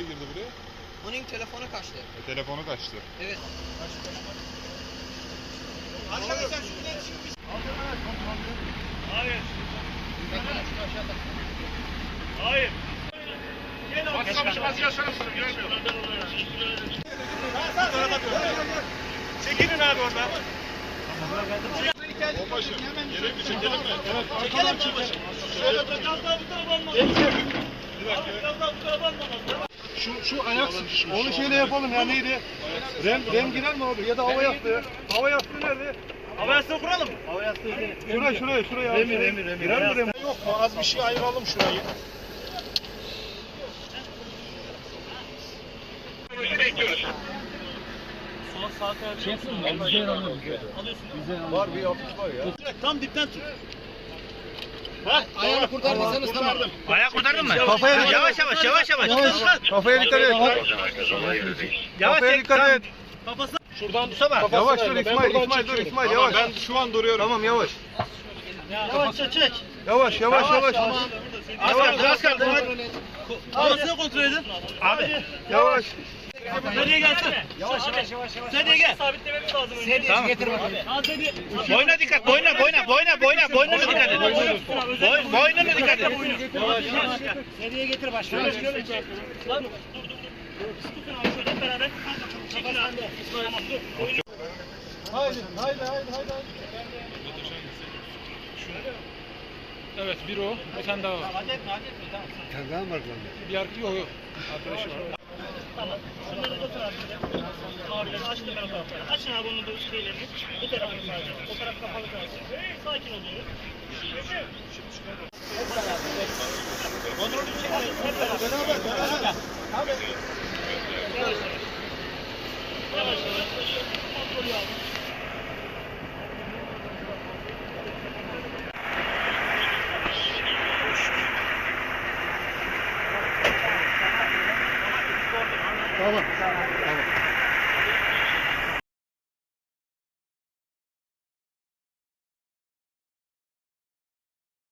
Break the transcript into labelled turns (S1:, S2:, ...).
S1: girdi buraya?
S2: Onun telefonu kaçtı.
S1: Telefonu kaçtı.
S2: Evet.
S3: Arkadaşlar şu iletişim bir...
S4: Hayır. Hayır. Çekilin abi oradan.
S1: Onbaşım, yere bir çekelim mi? Evet,
S3: Çekelim babacığım.
S4: Şöyle biraz daha bu tarafa almadım. Biraz daha bu tarafa almadım.
S5: Şu ayak onu şeyle yapalım ya neydi? Rem girer mi abi ya da hava yastığı? Hava yastığı nerede?
S4: Hava yastığı kuralım.
S5: Şuraya. Remir. Girer mi rem?
S3: Yok mu? Az bir şey ayıralım şurayı.
S4: Sol sağ tarafı.
S5: Var bir hafif var ya.
S4: Tam dipten tut.
S2: Ayağını kurtarmasanız tamam.
S4: Ayak kurtardın mı?
S5: Kafaya
S4: Yavaş.
S5: Kafaya dikkat et. Kafaya dikkat et.
S4: Kafası.
S3: Şuradan tutsana.
S5: Yavaş dur İsmail dur İsmail yavaş.
S1: Ben şu an duruyorum.
S5: Tamam yavaş.
S4: Yavaşça çek.
S5: Yavaş.
S4: Az kaldı. Kafasını kontrol edin. Abi.
S5: Yavaş.
S4: Nereye gelsin? Yavaş. Sedye gel. Sabitlememiz lazım önce.
S2: Sedye getir bakalım.
S4: Boyuna dikkat. Boynuna dikkat et. Boynuna dikkat et.
S2: Sedyeye getir başkanım.
S4: Lan. Tutun abi şöyle hep beraber. Çekil abi. Tamam dur.
S5: Haydi.
S6: Evet, bir o. Bir tane daha var.
S4: Hadi etme tamam.
S5: Sen daha mı var lan?
S6: Bir yok. Arkadaşı var.
S4: Tamam. Şunları götür abi. Abileri açtım ben o tarafları. Açın abi onun bu şeylerini. Bu tarafını sadece. O taraf kapalı kalsın. Sakin oluyoruz. Hep beraber. Yavaş. Kontrolü abi.
S5: Tamam.